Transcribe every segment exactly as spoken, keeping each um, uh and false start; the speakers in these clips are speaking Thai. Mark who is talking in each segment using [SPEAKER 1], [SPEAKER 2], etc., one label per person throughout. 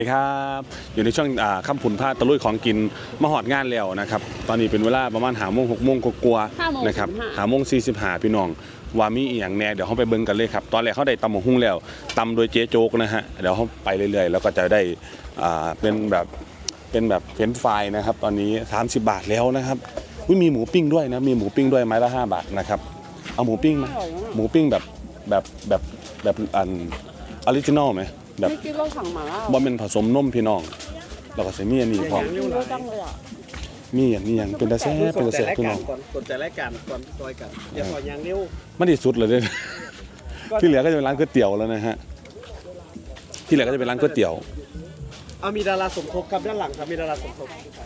[SPEAKER 1] ครับอยู่ในช่วงค่ำผุนผ้าตะลุยของกินมาหอดงานแล้วนะครับตอนนี้เป็นเวลาประมาณหาโมงหกโมงกลัวๆนะครับหาโมงสี่สิบห้าพี่น้องว่ามีอีกอย่างแน่เดี๋ยวเขาไปเบิ่งกันเลยครับตอนแรกเขาได้ตำหมกหุ้งแล้วตำโดยเจ๊โจ๊กนะฮะเดี๋ยวเขาไปเรื่อยๆแล้วก็จะได้เป็นแบบเป็นแบบเฟรนช์ฟรายนะครับตอนนี้สามสิบบาทแล้วนะครับมีหมูปิ้งด้วยนะมีหมูปิ้งด้วยไม้ละห้าบาทนะครับเอาหมูปิ้งไหมหมูปิ้งแบบแบบแบบแบบอันออริจินอลไหมแบบ
[SPEAKER 2] ไม่คิดว่าสั่งมา
[SPEAKER 1] บ่เป็นผสมนมพี่น้องแล้วก็ใส่มีอันนี้พร้อมมีอันนี้ยังเป็นตาแซ่เป็นตาแซ่พี่น้อง
[SPEAKER 3] กดใจรายการก่อนซอยกันอย่าปล่อยยางเร็ว
[SPEAKER 1] มันที่สุดเลยเด้ที่เหลือก็จะเป็นร้านก๋วยเตี๋ยวแล้วนะฮะที่เหลือก็จะเป็นร้านก๋วยเตี๋ยว
[SPEAKER 3] เอามีดาราสมทบครับด้านหลังครับมีดาราสมทบ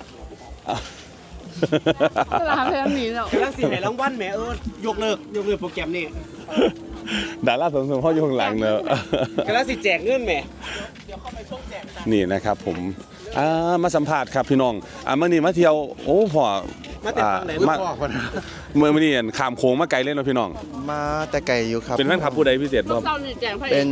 [SPEAKER 2] ดาราเพลงนี้เนาะ
[SPEAKER 3] กำลังสิไหนรางวัลแหมเออยกเลิกยกเลิกโปรแกรมนี่
[SPEAKER 1] ดาราสมทบพ่ออยู่ข้างหลังเนอะ
[SPEAKER 3] กำลังสิแจกเงินแหม
[SPEAKER 1] นี่นะครับผมมาสัมภาษณ์ครับพี่น้องอ่ามื่อนี้มาเที่ยวโอ้พ่อ
[SPEAKER 3] มาแต่ไหนลูกพ่อคน
[SPEAKER 1] เมื่อนี้ขามโค้งมาไกลเล่นนะพี่น้อง
[SPEAKER 4] มาแต่ไกลอยู่ครับ
[SPEAKER 1] เป็นแฟนคลับผู้ใดพิเศษบ้าง
[SPEAKER 2] เป็น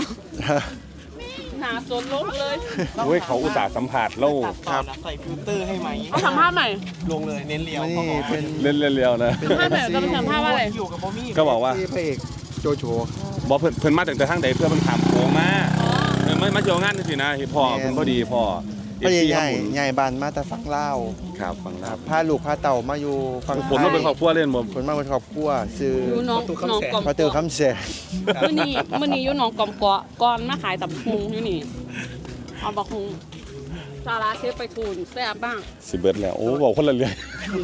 [SPEAKER 2] หาโซนลบเลย
[SPEAKER 1] เว้ยเขาอุตส่าห์สัมภาษณ์แล้ว
[SPEAKER 3] ครับใส่ฟิลเตอร์ให้ไหม
[SPEAKER 2] เอาสัมภาษณ์ใหม่
[SPEAKER 3] ลงเลยเน้นเลี้ยว
[SPEAKER 4] นี่เป็น
[SPEAKER 1] เล่นเลี้ยวนะ
[SPEAKER 2] สัมภาษณ์ใหม่จะเป็นสัมภาษณ์ว่าอะไร
[SPEAKER 1] ก็บอกว่า
[SPEAKER 4] พระเอกโจโฉ
[SPEAKER 1] บอกเพิ่นเพิ่นมาตั้งแต่ทางใดเพื่อมันขามโค้งมาไม่มาเที่ยวงานสินะพ่อเพิ่นพอดีพ่อ
[SPEAKER 4] พ่อใหญ่ใหญ่บานมาแต่ฝั่งลาว
[SPEAKER 1] ครับฝั่งลาว
[SPEAKER 4] พาลูกพาเต่ามาอยู่ฝั่ง
[SPEAKER 1] ผมมาเป็นครอบครัวเล่นบ่
[SPEAKER 4] ผมมาเป็นครอบครัวซื้อ
[SPEAKER 2] น้องน้องกอม
[SPEAKER 4] พอเจอคำแส
[SPEAKER 2] มื้อนี้มื้อนี้อยู่น้องกอมเกาะก่อนมาขายตับหุงอยู่นี่เอาบักหุงซาลาเชฟไปทูนแซ่บบ้าง
[SPEAKER 1] สิเบิดแล้วโอ้บอกคนละเรื่อง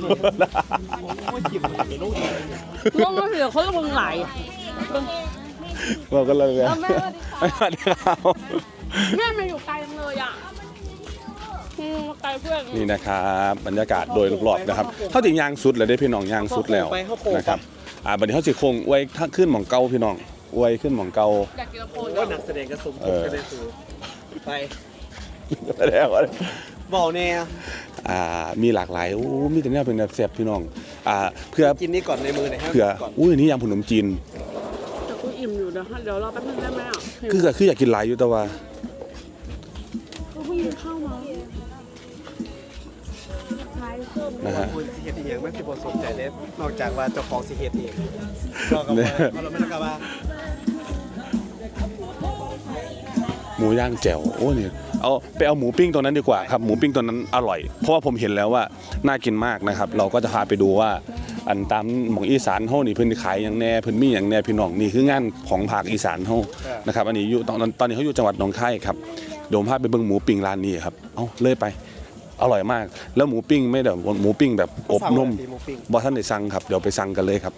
[SPEAKER 2] ลงมาเหลือเขาลงไหล
[SPEAKER 1] บอกกันเลย
[SPEAKER 2] แม่สวัสดีค่ะแม่มาอยู่ไกลจังเลยอ่ะไกลเพื่อน
[SPEAKER 1] นี่นะครับบรรยากาศโดยรอบๆนะครับเขาถึงยางสุดเลยได้พี่น้องยางสุดแล้วนะครับอ่าบัดนี้เขาสิคงอวยถ้าขึ้นหม่องเก่าพี่น้องอวยขึ้นหม่องเก่า
[SPEAKER 2] อยากกินโค
[SPEAKER 3] ก็นักแสดงกระสมทบกันได้ถูกไป
[SPEAKER 1] แล้ว
[SPEAKER 3] บอกแน่
[SPEAKER 1] อ่ามีหลากหลายโอ้มีแต่เนี่ยเป็นแบบแซ่บพี่น้องอ่าเพื่อ
[SPEAKER 3] กินนี่ก่อนในมือหน่อย
[SPEAKER 1] เพื่ออุ้ยนี่ยำขนมจีน
[SPEAKER 2] แต่กูอิ่มอยู่เดี๋ยวเดี๋ยวรอแป๊บนึงได้ไหมอ่ะ
[SPEAKER 1] คือคืออยากกินหลายอยู่แต่ว่า
[SPEAKER 2] กูเพิ่งกินข้าวมา
[SPEAKER 1] นะฮะ
[SPEAKER 3] คุณสิเฮ็ดเองไม่สิบ่สนใจเลยนอกจากว่าเจ้าของสิเฮ็ดเองเราก็ว่าเราไม่ต้องการว่า
[SPEAKER 1] หมูย่างแจ่วโอ้เนี่ยเอาไปเอาหมูปิ้งตัวนั้นดีกว่าครับหมูปิ้งตัวนั้นอร่อยเพราะว่าผมเห็นแล้วว่าน่ากินมากนะครับเราก็จะพาไปดูว่าอันตามหม่องอีสานเฮานี่เพิ่นขายอย่างแน่เพิ่นมีอย่างแน่พี่น้องนี่คืองานของภาคอีสานเฮานะครับอันนี้อยู่ตอนตอนนี้เขาอยู่จังหวัดหนองคายครับเดี๋ยวผมพาไปเบิ่งหมูปิ้งร้านนี้ครับเอ้าเลยไปอร่อยมากแล้วหมูปิ้งไม่แบบหมูปิ้งแบบอบนุ่มบ่ท่านได้สั่งครับเดี๋ยวไปสั่งกันเลยครับ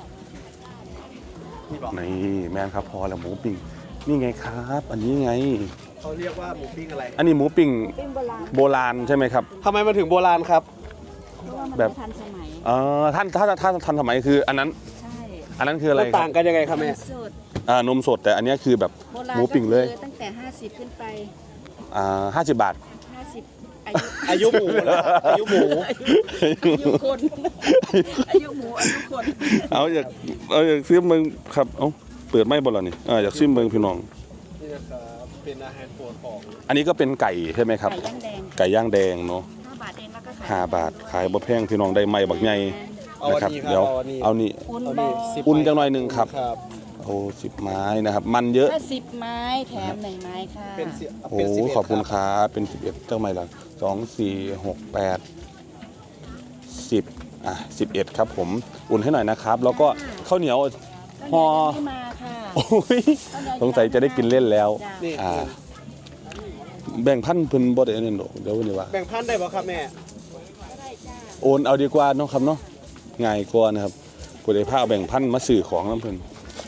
[SPEAKER 1] นี่แม่นครับพอแล้วหมูปิ้งนี่ไงครับอันนี้ไง
[SPEAKER 3] เขาเรียกว่าหมูปิ้งอะไร
[SPEAKER 1] อันนี้หมูปิ้งโบราณใช่ไหมครับ
[SPEAKER 3] ทำไมมาถึงโบราณครับ
[SPEAKER 1] แบบทันสมัยเออท่านถ้าถ้าทันสมัยคืออันนั้นใช่อันนั้นคืออะไร
[SPEAKER 3] ต่างกันยังไงครับแม่
[SPEAKER 1] อ่านมสดแต่อันนี้คือแบบหมูปิ้งเลย
[SPEAKER 5] ตั้งแต่ห้าสิบขึ้นไป
[SPEAKER 1] อ่าห้าสิบบาท
[SPEAKER 5] ห้าสิบ
[SPEAKER 3] อายุหมูอายุหมู
[SPEAKER 2] อายุคนอายุหมูอายุคน
[SPEAKER 1] เอาอยากเอาอยากซื้อเมืองครับเอ้าเปิดไม่บ่ล่ะนี่อ่าอยากซื้อเมืองพี่น้อง
[SPEAKER 3] นี่นะครับเป็นอาหารโปรดของ
[SPEAKER 1] อันนี้ก็เป็นไก่ใช่ไหมครับไก่ย่างแดงเนาะ
[SPEAKER 5] ห้าบาทเองแล้วก็
[SPEAKER 1] ห้าบาทขายบ่แพงพี่น้องได้ไม้บักใหญ่นะครับเดี๋ยวเอานี่อุ่นจังหน่อยนึงครับโอ้สิบไม้นะครับมันเยอะ
[SPEAKER 5] สิบไม้แถมหนึ่งไม้ค่ะ
[SPEAKER 1] โอ้ขอบคุณครับเป็นสิบเอ็ดเจ้าไม้ละสองสี่หกแปดสิบอ่ะสิบเอ็ดครับผมอุ่นให้หน่อยนะครับแล้วก็ข้าวเหนียวห่อโอ้ยสงสัยจะได้กินเล่นแล้วอ่าแบ่งพันเพิ่นบ่ได้อันนั้นดอกเดี๋ยวนี่ว่า
[SPEAKER 3] แบ่งพันได้บ่ครับแม่
[SPEAKER 1] โอนเอาดีกว่าเนาะครับเนาะง่ายกว่านะครับกูได้พาเอาแบ่งพันมาซื้อของนำเพิ่น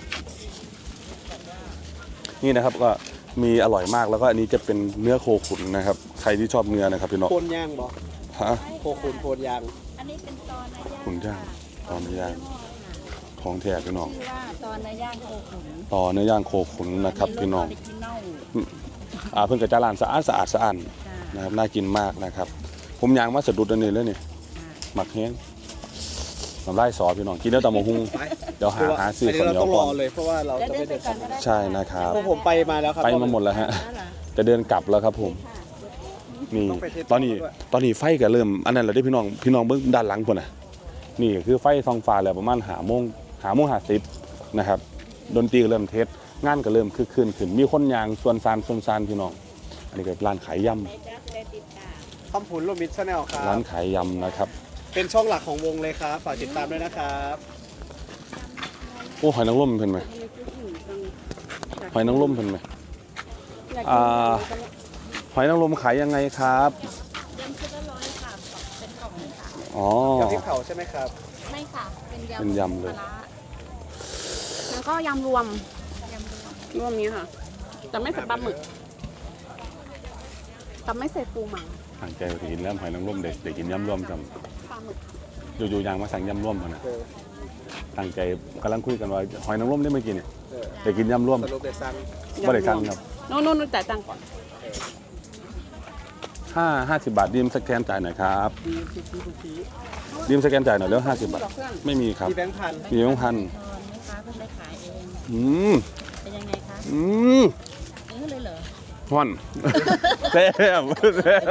[SPEAKER 1] นี่นะครับก็มีอร่อยมากแล้วก็อันนี้จะเป็นเนื้อโคขุนนะครับใครที่ชอบเนื้อนะครับพี่น้อง
[SPEAKER 3] โคนย่างบ่
[SPEAKER 1] ฮะ
[SPEAKER 3] โคขุนโคนย่าง
[SPEAKER 5] อันนี้เป็นตอนย่าง
[SPEAKER 1] ขุนย่างตอนย่างของแท้พี่น้อง
[SPEAKER 5] ตอนเนื้อย่างโคขุน
[SPEAKER 1] ต่อเนื้อย่างโคขุนนะครับพี่น้องอ่าเพิ่งกระจายร้านสะอาดสะอาดสะอาดนะครับน่ากินมากนะครับผมย่างมาสะดุดอันนี้แล้วนี่หมักแห้งน้ำลายสอพี่น้องกินแล้วตำมะฮุ่ง
[SPEAKER 3] ไป
[SPEAKER 1] เดี๋ยวหาหาซื้อ
[SPEAKER 3] อัน
[SPEAKER 1] ข้าว
[SPEAKER 3] นี้
[SPEAKER 1] เหนี
[SPEAKER 3] เรา
[SPEAKER 1] ยว
[SPEAKER 3] ต้องร
[SPEAKER 1] ก่อ
[SPEAKER 3] อน เลยเพราะว่าเรา
[SPEAKER 5] แล้ว
[SPEAKER 3] จะ
[SPEAKER 5] เดิ
[SPEAKER 3] ไม่
[SPEAKER 5] นไป
[SPEAKER 3] เดิน
[SPEAKER 5] ก่อนก็ได้
[SPEAKER 1] ใช่นะครับ
[SPEAKER 3] พวกผมไปมาแล้วครับ
[SPEAKER 1] ไปมาหมดแล้วฮะ
[SPEAKER 5] แล้วเหรอ
[SPEAKER 1] จะเดินกลับแล้วครับผมนี่ตอนนี้ตอนนี้ไฟก็เริ่มอันนั้นเราได้พี่น้องพี่น้องเบื้องด้านหลังคนน่ะนี่คือไฟทองฟ้าแล้วประมาณหาโมงหาโมงหาสิบนะครับดนตรีก็เริ่มเทสงานก็เริ่มคึกคืนขึ้นมีคนยางส่วนซานส่วนซานพี่น้องอันนี้ก็ร้านขายย
[SPEAKER 3] คำผุนโรมิดชาแนลครั
[SPEAKER 1] ำร้า
[SPEAKER 3] บ
[SPEAKER 1] นขายยำนะครับ
[SPEAKER 3] เป็นช่องหลักของวงเลยครับฝากติดตามด้วยนะครับ
[SPEAKER 1] โอ้หอยนางรมเพิ่นไหมหอยนางรมเพิ่นไหมอ่าหอยนางรมขายยังไงครับ
[SPEAKER 5] ยำชุดละร้อยค่ะเป็นกล่องเลยค่ะ
[SPEAKER 1] อ๋อ
[SPEAKER 3] กับพริกเผาใช่ไหมครับ
[SPEAKER 5] ไม่ค่ะ เป็นยำ
[SPEAKER 1] เป็นยำเลย
[SPEAKER 5] ปาร้า
[SPEAKER 2] แล้วก็ยำรวม
[SPEAKER 5] ยำรวม
[SPEAKER 2] รวมนี้ค่ะแต่ไม่ใส่ปลาหมึกแต่ไม่ใส่ปูหมัง
[SPEAKER 1] ตั้งใจไปกินแล้วหอยนางรมเด็กเด็กกินยำรวมจ
[SPEAKER 2] ปลาหมึก
[SPEAKER 1] ำอยู่ๆยางมาสั่งยำรวมพอนะ
[SPEAKER 3] เออ
[SPEAKER 1] ตั้งใจกำลังคุยกันว่าหอยนางรมได้เมื่อกี้เนี่ย
[SPEAKER 3] เออ
[SPEAKER 1] เด็กกินยำรวม
[SPEAKER 3] สรุปเด็ดซัง
[SPEAKER 1] บ่ได้สั่งครับ
[SPEAKER 2] โน่นโน่นจ่ายตังค์ก่อน
[SPEAKER 1] ห้าห้าสิบบาทดีมสแกนจ่ายหน่อยครับ
[SPEAKER 3] ดีทุกทีทุกที
[SPEAKER 1] ดีมสแกนจ่ายหน่อยแล้วห้าสิบบาท
[SPEAKER 2] บอกเพื่อน
[SPEAKER 1] ไม่มีครับ
[SPEAKER 3] มีแบงค์พัน
[SPEAKER 1] มีแบงค์พัน
[SPEAKER 5] ทอนไหมคะเพิ่งได้ขายเอง
[SPEAKER 1] อืม
[SPEAKER 5] เป็นยังไงคะ
[SPEAKER 1] อืม
[SPEAKER 5] เออเลยเหรอ
[SPEAKER 1] ห่อนแซ่บแซ่บ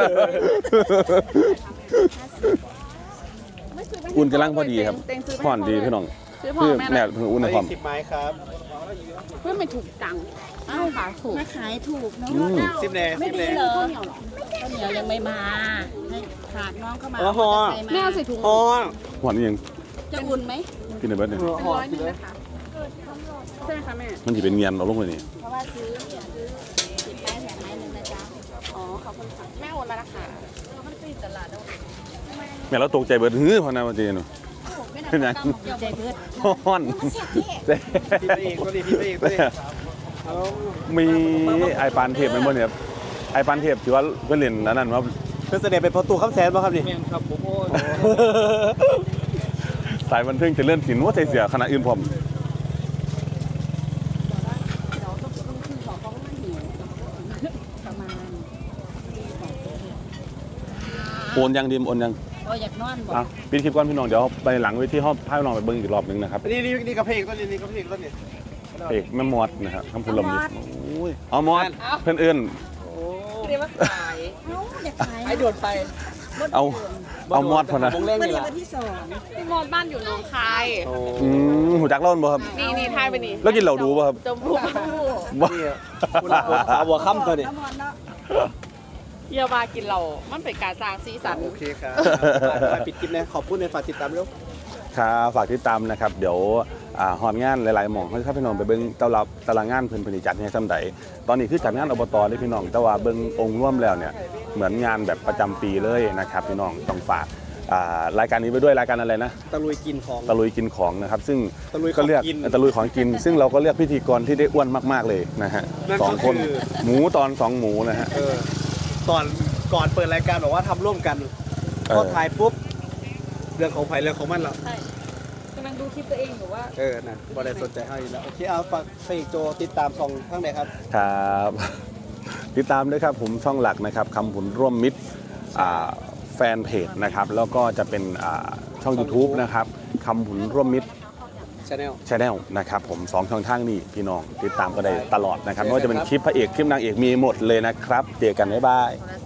[SPEAKER 1] อุ่นกำลังพอดีครับ
[SPEAKER 2] เต็งซื้อไป
[SPEAKER 1] ห่อนดีพี่น้อง
[SPEAKER 2] ซื้อพ่อ
[SPEAKER 1] คือ
[SPEAKER 2] แม่
[SPEAKER 1] แม่
[SPEAKER 2] นะ
[SPEAKER 1] เพิ่งอุ่นในความ
[SPEAKER 3] สิบไม้ครับ
[SPEAKER 2] เพื่อนไม่ถูกจังอ้าวขาถูก
[SPEAKER 5] มาขายถูกเนาะ
[SPEAKER 1] อืม
[SPEAKER 3] สิบแหน่
[SPEAKER 5] ไม่
[SPEAKER 3] สิบแห
[SPEAKER 5] ดี
[SPEAKER 3] น่
[SPEAKER 5] เหรอ
[SPEAKER 2] ข้าวเหนียวเหรอ
[SPEAKER 5] ข้าวเหนียวยังไม่มาให้ฝากน้องเข้ามา
[SPEAKER 3] อ๋อฮะ
[SPEAKER 5] เามา
[SPEAKER 2] แม่เอาใส่ถุง
[SPEAKER 3] อ๋อ
[SPEAKER 1] ห่อนนี่ยัง
[SPEAKER 5] จะอุ่นไหม
[SPEAKER 1] กินในเบิร์ดเนี่ย
[SPEAKER 2] เป็นร้อยหนึงนะคะใช่ไหมคะแม่
[SPEAKER 1] มันจะเป็นเงียนเอาลงเลยนี่
[SPEAKER 5] เพราะว่าซื้อเนี่ยซื้อสิบไม้แถมไม้หนึ่งนะจ๊ะ
[SPEAKER 2] อ๋อขอบคุณค่ะแม่โอนแล้วนะคะ
[SPEAKER 5] มันติดตลาดแล้ว
[SPEAKER 1] แม่เราตกใจเบิร์ดฮือพอนาวันเจนเป็นยัง
[SPEAKER 5] ใจเบิด
[SPEAKER 1] ห่อนแซ่บ
[SPEAKER 3] พี่ไปเองตัวนี้พี่ไปเองตัวนี้เอา
[SPEAKER 1] มีไอปานเทพไหมบ่เนี่ยไอปานเทพถือว่าเพื่อนเล่นอันนั้นว่า
[SPEAKER 3] เพื่อแสดงเป็นประตูข้ามแสนป่ะครับนี่ครับผมโอ้
[SPEAKER 1] สายบันเทิงจะเลื่อนสินว่าใจเสียขณะอื่นผม
[SPEAKER 2] เราต้องต้องขึ้นขอเขาไม่หิว
[SPEAKER 5] ประมาณ
[SPEAKER 1] โอนยังดีมโอนยัง
[SPEAKER 5] โอ้อยากนอนบอก
[SPEAKER 1] อ่ะปิดคลิปก่อนพี่น้องเดี๋ยวไปหลังเวทีห้องพาพี่น้องไปเบิ้งอีกรอบหนึงนะครับ
[SPEAKER 3] นี่นี่นี่กระเพกตัวนี้นี่กระเพกตัวนี้
[SPEAKER 1] เอกแม่มอดนะครับคำพูดลมยิบโอ้ยเอามอดเพื่อนเอื้อน
[SPEAKER 3] โอ้
[SPEAKER 2] เรียกว่าขาย
[SPEAKER 5] เอ้าอยากขาย
[SPEAKER 3] ไอโดดไป
[SPEAKER 1] เอาเอามอดพอนะ
[SPEAKER 3] วงเล่น
[SPEAKER 5] วัน
[SPEAKER 3] นี่
[SPEAKER 5] นี้
[SPEAKER 3] แหละ
[SPEAKER 5] วันที่สอง
[SPEAKER 2] พี่มอดบ้านอยู่หนองคาย
[SPEAKER 3] โอ้
[SPEAKER 1] อืมหูจักเล่าบ่ครับ
[SPEAKER 2] นี่นี่ทายไปนี่
[SPEAKER 1] แล้วกินเหล่าดูป่ะครับ
[SPEAKER 2] จมูก
[SPEAKER 1] บ่
[SPEAKER 3] นี่คุณละคนสาวหัวค่ำตัวนี้
[SPEAKER 5] น้ำมันเนาะ
[SPEAKER 2] เยาวากินเรา มันเป็นการสร้างสีสัน
[SPEAKER 3] โอเคครับไปปิดคลิปนะขอบคุณในฝากติดตามด้วย
[SPEAKER 1] ครับฝากติดตามนะครับเดี๋ยวอ่าฮอดงานหลายๆหม่องให้พี่น้องไปเบิ้งตารางตารางงานเพิ่นเพิ่นสิจัดให้ซำใดตอนนี้คือจัดงานอบตเลยพี่น้องแต่ว่าเบิ้งองค์รวมแล้วเนี่ยเหมือนงานแบบประจำปีเลยนะครับพี่น้องต้องฝากอ่ารายการนี้ไปด้วยรายการอะไรนะ
[SPEAKER 3] ตะลุยกินของ
[SPEAKER 1] ตะลุยกินของนะครับซึ่ง
[SPEAKER 3] ตะลุยของ
[SPEAKER 1] ก็เลือก
[SPEAKER 3] กิน
[SPEAKER 1] ตะลุยของกิน ซึ่งเราก็เลือกพิธีกรที่ได้อ้วนมากๆเลยนะฮะ
[SPEAKER 3] นั่น
[SPEAKER 1] ส
[SPEAKER 3] ก็
[SPEAKER 1] องคน
[SPEAKER 3] คือ
[SPEAKER 1] หมูตอนสองหมูนะฮะ
[SPEAKER 3] เออก่อนก่อนเปิดรายการบอกว่าทำร่วมกัน
[SPEAKER 1] เออ
[SPEAKER 3] พอถ่ายปุ๊บเรื่องของไผ่เรื่องของมันแล้ว
[SPEAKER 2] ใช่กำลังดูคลิปตัวเองอยู่ว่า
[SPEAKER 3] เออนะบอได้สนใจให้แล้วโอเคเอาฝากเฟกโจติดตามช่องข้างไหนครับ
[SPEAKER 1] ครับ ติดตามด้วยครับผมช่องหลักนะครับคำผุนร่วมมิตรอ่าแฟนเพจนะครับแล้วก็จะเป็นอ่าช่อง YouTube นะครับคำผุนร่วมมิตร
[SPEAKER 3] ชาแนล
[SPEAKER 1] ชาแนลนะครับผมสองช่องทางนี้พี่น้องติดตามก็ได้ตลอดนะครับไม่ว่าจะเป็นคลิปพระเอกคลิปนางเอกมีหมดเลยนะครับเจอกันบ๊ายบาย
[SPEAKER 5] โทร